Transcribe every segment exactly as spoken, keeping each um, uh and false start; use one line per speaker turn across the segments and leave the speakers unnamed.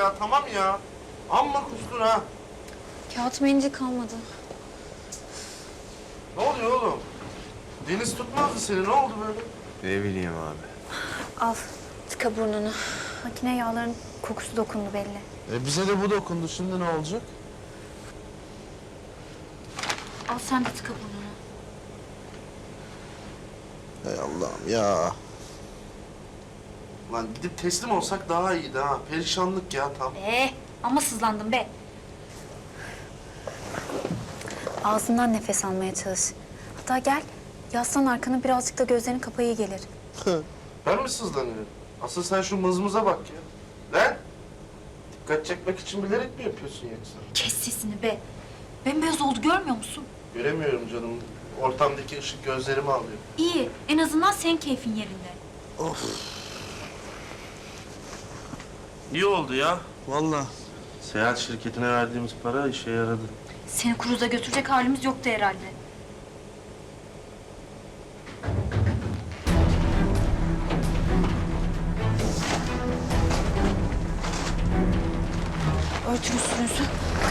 ya, tamam ya. Amma kustun ha.
Kağıt mendil kalmadı.
Ne oluyor oğlum? Deniz tutmazdı seni, ne oldu böyle?
Ne bileyim abi.
Al, tıka burnunu. Makine yağların kokusu dokundu belli.
E bize de bu dokundu, şimdi ne olacak?
Al sen de tıka burnunu.
Hay Allah'ım ya. Lan gidip teslim olsak daha iyiydi ha. Perişanlık ya tam.
Ee, ama sızlandım be. Ağzından nefes almaya çalış. Hatta gel, yaslan arkana birazcık da gözlerini kapa, iyi gelir.
Ben mi sızlanıyorum? Asıl sen şu mızmıza bak ya. Lan! Dikkat çekmek için bilerek mi yapıyorsun yoksa?
Kes sesini be. Bembeyaz oldu, görmüyor musun?
Göremiyorum canım. Ortamdaki ışık gözlerimi alıyor.
İyi, en azından senin keyfin yerinde.
Of. İyi oldu ya. Vallahi. Seyahat şirketine verdiğimiz para işe yaradı.
Seni kruza götürecek halimiz yoktu herhalde. Örtün üstünüzü.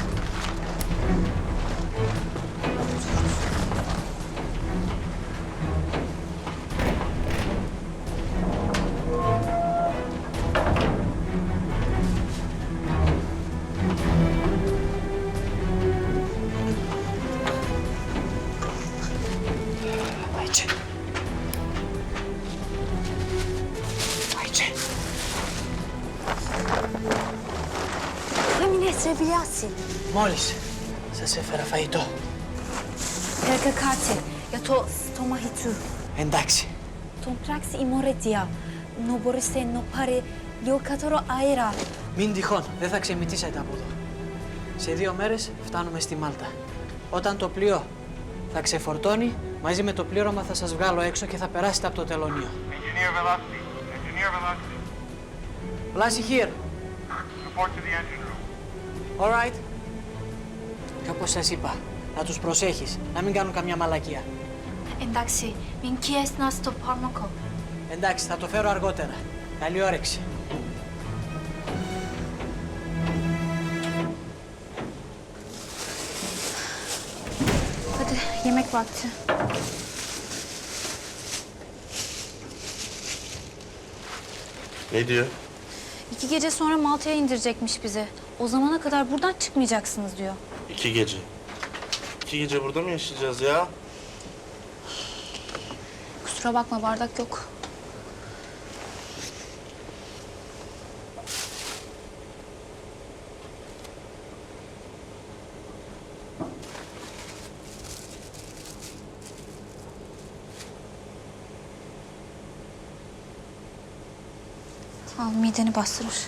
Ayça. Ayça.
Hamine Srebilyasi.
Μόλις σας έφερα φαγητό.
Perkakati. Ya to stomahitu.
Εντάξει.
Ton praksi imoretia. No borise no pare liokatoro aera.
Μην τυχόν, δεν θα ξεμητήσετε από εδώ. Σε δύο μέρες φτάνουμε στη Μάλτα. Όταν το πλοίο θα ξεφορτώνει, μαζί με το πλήρωμα θα σας βγάλω έξω και θα περάσετε από το τελωνείο.
Engineer Velocity. Engineer Velocity.
Βλάση here.
Report to the engine room.
All right. Και όπως σας είπα, να τους προσέχεις, να μην κάνουν καμιά μαλακία.
Εντάξει, min kies nas to parmako.
Εντάξει, θα το φέρω αργότερα. Καλή όρεξη.
Hadi yemek vakti.
Ne diyor?
İki gece sonra Malta'ya indirecekmiş bizi. O zamana kadar buradan çıkmayacaksınız diyor.
İki gece. İki gece burada mı yaşayacağız ya?
Kusura bakma, bardak yok. Al, mideni bastırır.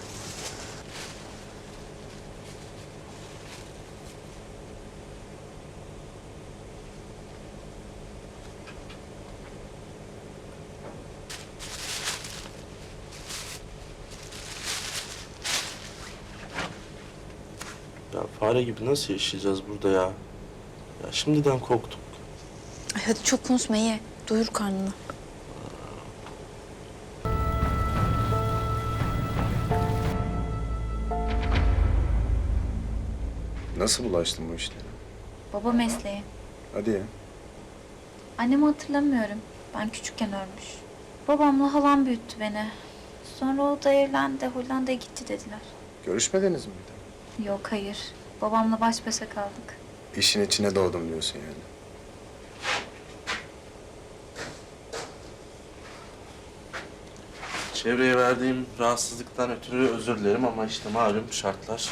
Ya fare gibi nasıl yaşayacağız burada ya? Ya şimdiden korktum.
Ay hadi çok konuşma, ye. Doyur karnını.
Nasıl bulaştın bu işlere?
Baba mesleği.
Hadi ya.
Annemi hatırlamıyorum. Ben küçükken ölmüş. Babamla halam büyüttü beni. Sonra o da evlendi, Hollanda'ya gitti dediler.
Görüşmediniz mi bir de?
Yok, hayır. Babamla baş başa kaldık.
İşin içine doğdum diyorsun yani.
Çevreye verdiğim rahatsızlıktan ötürü özür dilerim ama işte malum şartlar.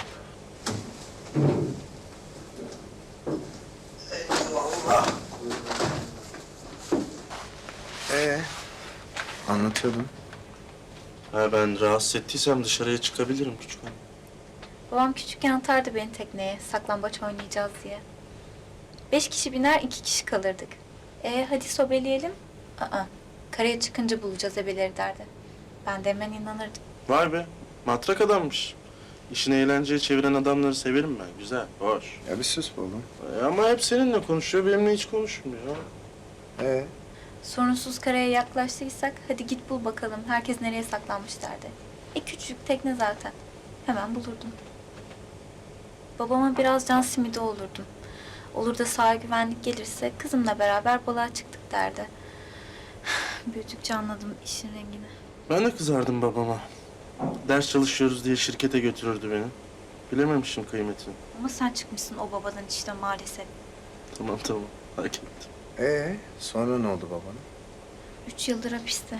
Ee, anlatıyordun.
Ha, ben rahatsız ettiysem dışarıya çıkabilirim küçük hanım.
Babam küçükken atardı beni tekneye, saklambaç oynayacağız diye. Beş kişi biner, iki kişi kalırdık. E hadi sobeleyelim. Aa, karaya çıkınca bulacağız ebeleri derdi. Ben de hemen inanırdım.
Vay be, matrak adammış. İşini eğlenceye çeviren adamları severim ben. Güzel, hoş.
Ya bir sus be oğlum.
E, ama hep seninle konuşuyor, benimle hiç konuşmuyor.
Ee,
Sorunsuz karaya yaklaştıysak hadi git bul bakalım herkes nereye saklanmış derdi. E küçücük tekne zaten. Hemen bulurdum. Babama biraz can simidi olurdum. Olur da sağ güvenlik gelirse kızımla beraber balığa çıktık derdi. Büyüdükçe anladım işin rengini.
Ben de kızardım babama. Ders çalışıyoruz diye şirkete götürürdü beni. Bilememişim kıymetini.
Ama sen çıkmışsın o babadan işte maalesef.
Tamam tamam, hak ettim.
Ee, sonra ne oldu babana?
Üç yıldır hapiste.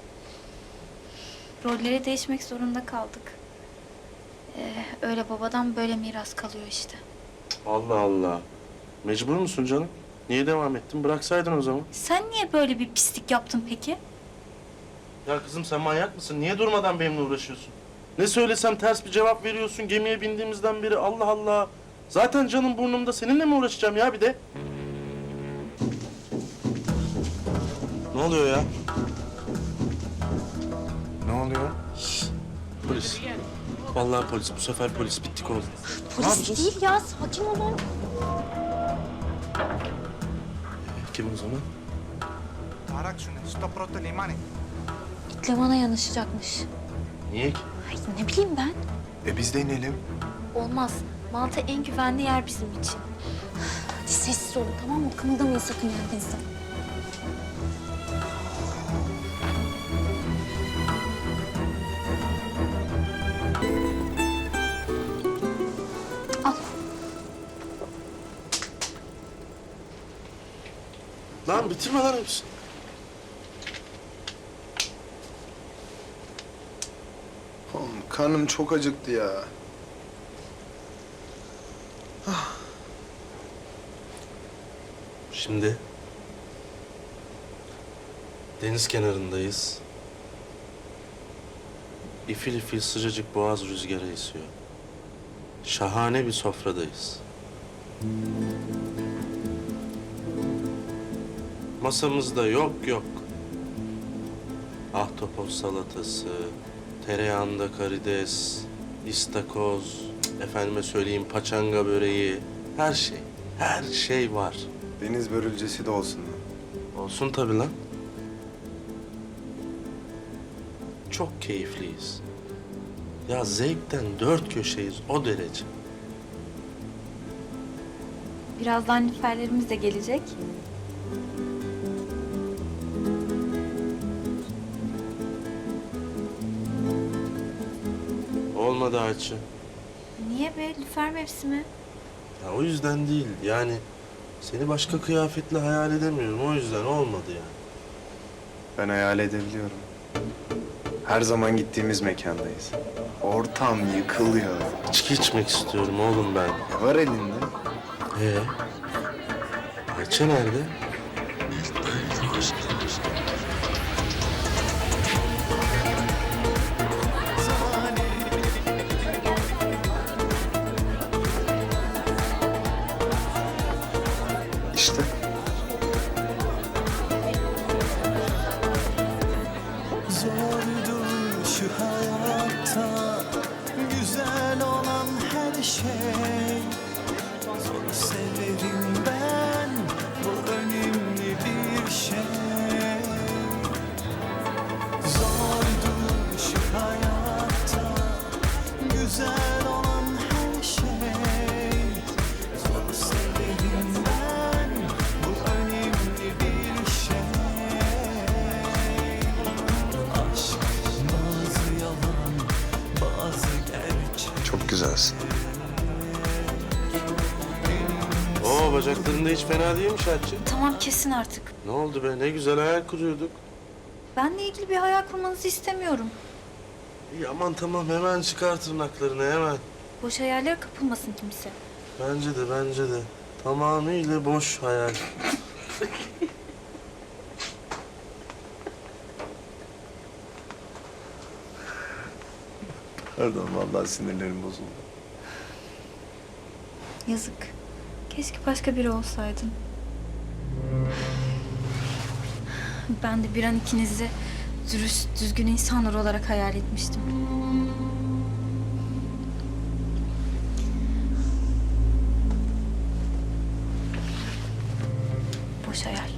Rolleri değişmek zorunda kaldık. Ee, öyle babadan böyle miras kalıyor işte.
Allah Allah. Mecbur musun canım? Niye devam ettin? Bıraksaydın o zaman.
Sen niye böyle bir pislik yaptın peki?
Ya kızım sen manyak mısın? Niye durmadan benimle uğraşıyorsun? Ne söylesem ters bir cevap veriyorsun gemiye bindiğimizden beri. Allah Allah. Zaten canım burnumda. Seninle mi uğraşacağım ya bir de? Ne oluyor ya?
Ne oluyor?
Polis. Vallahi polis. Bu sefer polis. Bittik oğlum.
Polis değil ya, sakin olun.
Kim o zaman?
Ταράξουνε στο πρώτο λιμάνι.
İtle bana yanaşacakmış.
Niye ki?
Ay ne bileyim ben.
E biz de inelim.
Olmaz. Malta en güvenli yer bizim için. Hadi sessiz olun tamam mı? Kımıldamayın sakın yerinizden. Al.
Lan bitirme lan hepsini.
Oğlum karnım çok acıktı ya.
Şimdi deniz kenarındayız. İfil ifil sıcacık boğaz rüzgarı esiyor. Şahane bir sofradayız. Masamızda yok yok. Ahtapot salatası, tereyağında karides, istakoz, efendime söyleyeyim paçanga böreği, her şey, her şey var.
Deniz börülcesi de olsun lan.
Olsun tabii lan. Çok keyifliyiz. Ya zevkten dört köşeyiz o derece.
Birazdan lüferlerimiz de gelecek.
Olmadı Ayça.
Niye be? Lüfer mevsimi.
Ya o yüzden değil yani seni başka kıyafetle hayal edemiyorum o yüzden olmadı yani.
Ben hayal edebiliyorum. Her zaman gittiğimiz mekandayız. Ortam yıkılıyor.
İçki içmek istiyorum oğlum ben.
Ne var elinde?
Ee? Ayça nerede?
İşte.
Zordu şu hayatta güzel olan her şey. Zor severim ben, bu önemli bir şey. Zordu şu hayatta güzel olan her şey. Zor severim ben, bu önemli bir şey. Aşk bazı yalan, bazı gerçek.
Çok güzelsin.
Oo bacaklarında hiç fena değilmiş Ayça.
Tamam kesin artık.
Ne oldu be ne güzel hayal kuruyorduk.
Benle ilgili bir hayal kurmanızı istemiyorum.
İyi aman tamam hemen çıkar tırnaklarını hemen.
Boş hayallere kapılmasın kimse.
Bence de bence de. Tamamıyla boş hayal.
Pardon vallahi sinirlerim bozuldu.
Yazık. Keşke başka biri olsaydın. Ben de bir an ikinizi dürüst, düzgün insanlar olarak hayal etmiştim. Boş hayal.